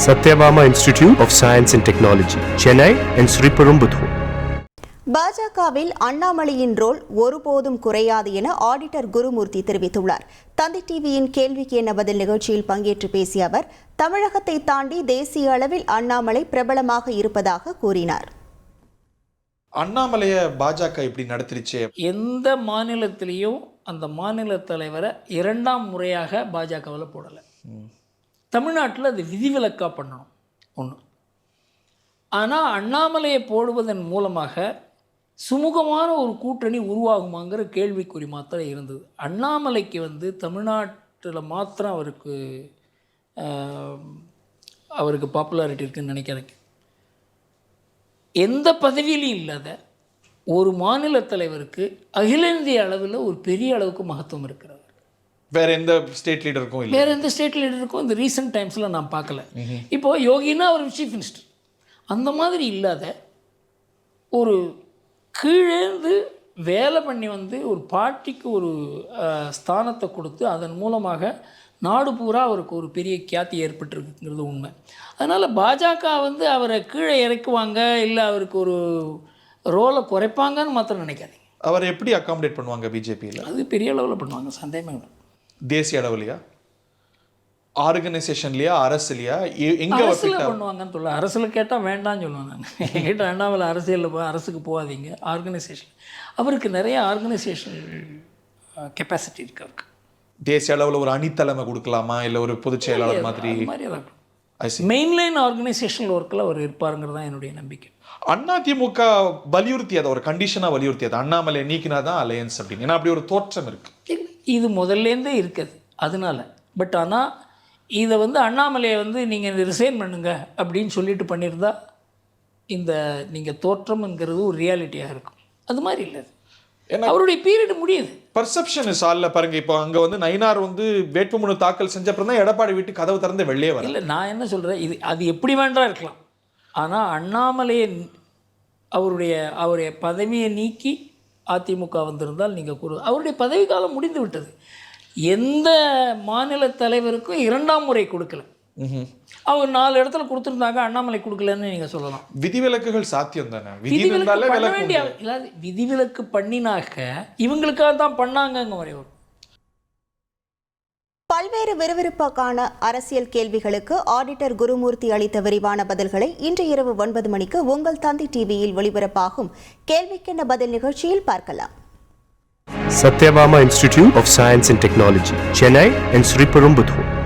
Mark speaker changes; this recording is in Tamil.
Speaker 1: Satyabama Institute of Science and Technology, Chennai and Sriperumbudur.
Speaker 2: பாஜகவில் அண்ணாமலையின் ரோல் ஒருபோதும் குறையாது என ஆடிட்டர் குருமூர்த்தி தெரிவித்துள்ளார். தந்தி டிவியின் கேள்விக்கு என்ன பதில் நிகழ்ச்சியில் பங்கேற்று பேசிய அவர், தமிழகத்தை தாண்டி தேசிய அளவில் அண்ணாமலை பிரபலமாக இருப்பதாக கூறினார்.
Speaker 3: அண்ணாமலையை பாஜக இப்படி நடத்திருச்சு.
Speaker 4: எந்த மாநிலத்திலையும் அந்த மாநில தலைவரை இரண்டாம் முறையாக பாஜகவில் போடலை. தமிழ்நாட்டில் அது விதிவிலக்காக பண்ணணும் ஒன்று. ஆனால் அண்ணாமலையை போடுவதன் மூலமாக சுமூகமான ஒரு கூட்டணி உருவாகுமாங்கிற கேள்விக்குறி மாத்திரம் இருந்தது. அண்ணாமலைக்கு தமிழ்நாட்டில் மாத்திரம் அவருக்கு பாப்புலாரிட்டி இருக்குதுன்னு நினைக்கிறேன். எந்த பதவியிலையும் இல்லாத ஒரு மாநில தலைவருக்கு அகில இந்திய அளவில் ஒரு பெரிய அளவுக்கு மகத்துவம் இருக்கிறது.
Speaker 3: வேற எந்த ஸ்டேட் லீடருக்கும் இல்லை.
Speaker 4: வேற எந்த ஸ்டேட் லீடருக்கும் இந்த ரீசெண்ட் டைம்ஸில் நான் பார்க்கல. இப்போது யோகினா அவர் சீஃப் மினிஸ்டர், அந்த மாதிரி இல்லாத ஒரு கீழேந்து வேலை பண்ணி ஒரு பார்ட்டிக்கு ஒரு ஸ்தானத்தை கொடுத்து அதன் மூலமாக நாடு பூரா அவருக்கு ஒரு பெரிய கியாத்தி ஏற்பட்டிருக்குங்கிறது உண்மை. அதனால் பாஜக அவரை கீழே இறக்குவாங்க, இல்லை அவருக்கு ஒரு ரோலை குறைப்பாங்கன்னு மாத்திரம் நினைக்காதீங்க.
Speaker 3: அவரை எப்படி அகாமடேட் பண்ணுவாங்க பிஜேபியில்? அது
Speaker 4: பெரிய அளவில் பண்ணுவாங்க, சந்தேகமே இல்லை.
Speaker 3: தேசிய அளவுலையா, ஆர்கனைசேஷன்லையா, அரசுலையா, எங்கே
Speaker 4: பண்ணுவாங்கன்னு சொல்ல. அரசில் கேட்டால் வேண்டாம்னு சொல்லுவேன் நான். என்கிட்ட அண்ணாமலை அரசியலில் அரசுக்கு போகாதீங்க, ஆர்கனைசேஷன். அவருக்கு நிறைய ஆர்கனைசேஷன் கெப்பாசிட்டி இருக்கு. அவருக்கு
Speaker 3: தேசிய அளவில் ஒரு அணித்தலைமை கொடுக்கலாமா, இல்லை ஒரு பொதுச் செயலாளர் மாதிரி
Speaker 4: மெயின்லைன் ஆர்கனைசேஷனல் ஒர்க்கில் அவர் இருப்பாருங்கிறது தான் என்னுடைய நம்பிக்கை.
Speaker 3: அதிமுக வலியுறுத்தியது, ஒரு கண்டிஷனாக வலியுறுத்தியது, அண்ணாமலை நீக்கினா தான் அலையன்ஸ் அப்படின்னு. ஏன்னா அப்படி ஒரு தோற்றம் இருக்குது.
Speaker 4: இது முதல்லேருந்தே இருக்குது அதனால. பட் ஆனால் இதை அண்ணாமலையை நீங்கள் ரிசைன் பண்ணுங்க அப்படின்னு சொல்லிட்டு பண்ணியிருந்தா இந்த நீங்கள் தோற்றம்ங்கிறது ஒரு ரியாலிட்டியாக இருக்கும். அது மாதிரி இல்லை, அவருடைய பீரியட் முடியுது.
Speaker 3: பர்செப்ஷன் இஸ் ஆல்ல பாருங்க. இப்போ அங்கே நயினார் வேட்புமனு தாக்கல் செஞ்ச அப்புறம் தான் எடப்பாடி வீட்டு கதவு திறந்து வெளியே வர.
Speaker 4: இல்லை, நான் என்ன சொல்கிறேன், அது எப்படி வேண்டாம் இருக்கலாம். ஆனால் அண்ணாமலையை அவருடைய பதவியை நீக்கி அதிமுக வந்திருந்தால் நீங்கள் அவருடைய பதவி காலம் முடிந்து விட்டது. எந்த மாநில தலைவருக்கும் இரண்டாம் முறை கொடுக்கல. அவர் 4 இடத்துல கொடுத்துருந்தாங்க, அண்ணாமலை கொடுக்கலன்னு நீங்கள் சொல்லலாம்.
Speaker 3: விதிவிலக்குகள் சாத்தியம் தானே.
Speaker 4: விதிவிலக்கு பண்ணினாக்க இவங்களுக்காக தான் பண்ணாங்க வரை.
Speaker 2: பல்வேறு விறுவிறுப்பான அரசியல் கேள்விகளுக்கு ஆடிட்டர் குருமூர்த்தி அளித்த விரிவான பதில்களை இன்று இரவு 9 மணிக்கு உங்கள் தந்தி டிவியில் ஒளிபரப்பாகும் கேள்விக்கென்ன பதில் நிகழ்ச்சியில் பார்க்கலாம்.
Speaker 1: Satyabama Institute of Science and Technology, Chennai and Sriperumbudur.